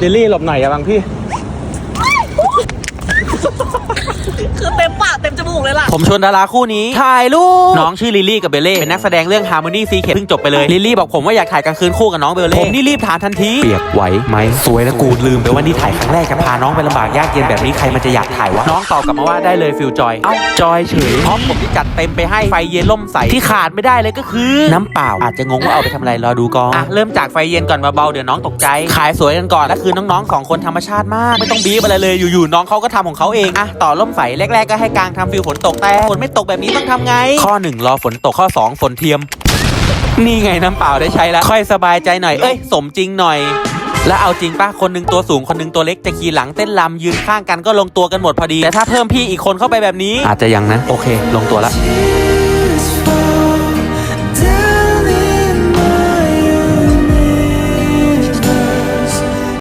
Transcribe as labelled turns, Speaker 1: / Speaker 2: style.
Speaker 1: ลิลลี่หลบหน่อยอย่าบังพี่
Speaker 2: คือเต็มปากเต็มจมูกเลยล่ะ
Speaker 3: ผมชวนดาราคู่นี้ถ่ายรูปน้องชื่อลิลลี่กับเบลเล่เป็นนักแสดงเรื่อง Harmony Secret เพิ่งจบไปเลยลิลลี่บอกผมว่าอยากถ่ายกลางคืนคู่กับน้องเบลเล่ผมนี่รีบถามทันทีเปียกไหวไหมสวยแล้วกูลืมไปว่านี่ถ่ายครั้งแรกจะพาน้องไปลำบากยากเย็นแบบนี้ใครมันจะอยากถ่ายวะน้องตอบกลับมาว่าได้เลยฟิลจอยเอ้าจอยเฉยพร้อมผมที่จัดเต็มไปให้ไฟเย็นล่มใสที่ขาดไม่ได้เลยก็คือน้ำเปล่าอาจจะงงว่าเอาไปทำอะไรรอดูก่อนเริ่มจากไฟเย็นก่อนเบาๆเดี๋ยวน้องตกใจขายสวยกันก่อนและคือน้องๆ2คนธรรมชาติมากไม่ต้องบีบอะไรเลยอยู่ๆน้องเขาก็ทำของเขาเองต่อล่มใสแรกๆก็ให้กางทำฟิลฝนตกแต่ฝนไม่ตกแบบนี้ต้องทำไงข้อ1รอฝนตกข้อ2ฝนเทียมนี่ไงน้ำเปล่าได้ใช้แล้วค่อยสบายใจหน่อยสมจริงหน่อยแล้วเอาจริงป่ะคนนึงตัวสูงคนนึงตัวเล็กจะขี่หลังเต้นรำยืนข้างกันก็ลงตัวกันหมดพอดีแต่ถ้าเพิ่มพี่อีกคนเข้าไปแบบนี้อาจจะยังนะโอเคลงตัวละ